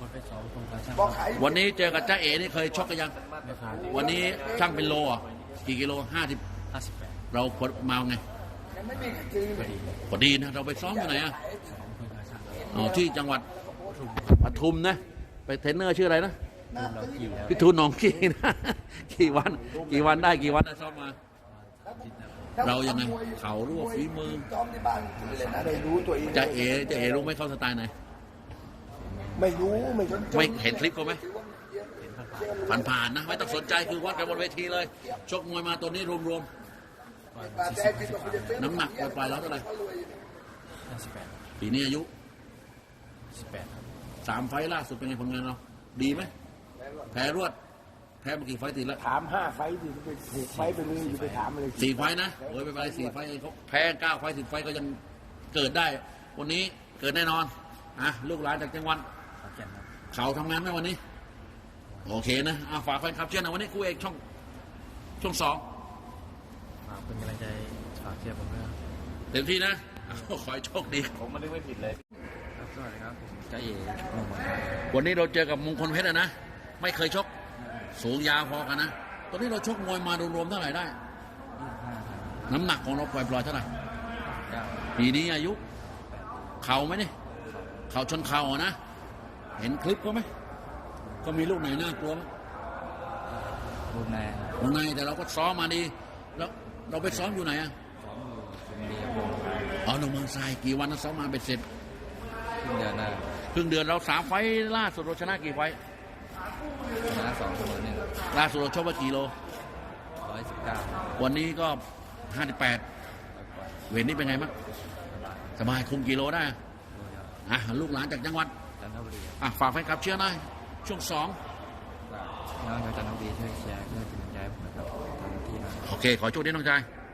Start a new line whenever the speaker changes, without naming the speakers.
ไปซ้อมตรงกระช่าง
วันนี้เจอกับจ้าเอ๋นี่เคยชกกันยัง
ไม่ผ่าน
วันนี้ช่างเป็นโลอ่ะกี่กิโล50
58
เราควรมาไง
พอดี
พอดีนะเราไปซ้อมอยู่ไหนอ่ะ
ซ้อมตรงกระช่าง
อ๋อที่จังหวัดปทุมนะไปเทรนเนอร์ชื่ออะไรนะ
รุ่นเรากี่แล้ว
พี่ทูนหนองกี่นะ กี่วันได้กี่วันได้ซ้อมมา
จิตนะ
เรายังไงเขารู้ว่าฝีมือ
ไม่รู้ตัวเอง
จะเอรู้ไหมเขาสไตล์ไหน
ไม่รู้ไม่สนใจ
ไม่เห็นคลิปเขาไหมผ่านๆนะไม่ต้องสนใจคือวัดกันบนเวทีเลย ชกมวยมาตัวนี้รวมๆน้ำหนักปล่อยๆแล้วเท่าไหร่
58
ปีนี้อายุ
18ครับ
3 ไฟล์ล่าสุดเป็นไงผลงานเราดีไหมแพ้รวดแพ้มากี่ไฟล์ติดแล้ว
ถาม5 ไฟต์ดิไป6 ไฟต์ไปเลยอย่าไปถามอะไร
4 ไฟล์นะโอ้ยไม่เป็นไร4 ไฟล์เขาแพ้9 ไฟล์10 ไฟล์ก็ยังเกิดได้ วันนี้เกิดแน่นอนอ่ะลูกหลานจากจังหวัด
ขอนแก่นครับ
เขาทำงานไหมวันนี้ โอเคนะฝากแฟนคลับเชียร์หนะวันนี้คู่เอกช่อง2
ฝากเป็นกำลังใจฝากเชียร์ผมด้วยครับ
เต็มที่นะขอให้โชคดี
สวัสดีครับผมจ้าเอ๋หนุ่มเมืองไทย
วันนี้เราเจอกับมงคลเพชรนะไม่เคยชกสูงยาวพอกันนะตอนนี้เราชกมวยมารวมๆเท่าไหร่ได้
25
น้ำหนักของเราปล่อยๆเท่าไหร่
9
ปีนี้อายุ เข่าไหมเนี่ยเข่าชนเข่าอะนะเห็นคลิปเขาไหมก็มีลูกไหนน่ากลัวไหม
รูปแนว
วงในแต่เราก็ซ้อมมาดี แล้วเราไปซ้อมอยู่ไหนอะ
ซ้อมอยู่ชลบุรีครับผม
อ๋อหนองเมืองทรายกี่วันนะซ้อมมาเป็นเสร็จ
ครึ่งเดือนหน้า
ครึ่งเดือนเรา3 ไฟล์ล่าสุดเราชนะกี่ไฟล์
ชนะ2เสมอ1
ล่าสุดเราชกไปกี่โล
119
วันนี้ก็ 58 เวทนี้เป็นไงบ้างสบายคุมกิโลได้ลูกหลานจากจังหวัด
จันทบุรี
ฝากแฟนคลับเชียร์หน่อยช่วง
น้องชาวจันทบุรีช่วยเชียร์เพื่อเป็นกำลังใจให้ผมนะครับทำที่นะ
2โอเค ขอโชคดีน้องชาย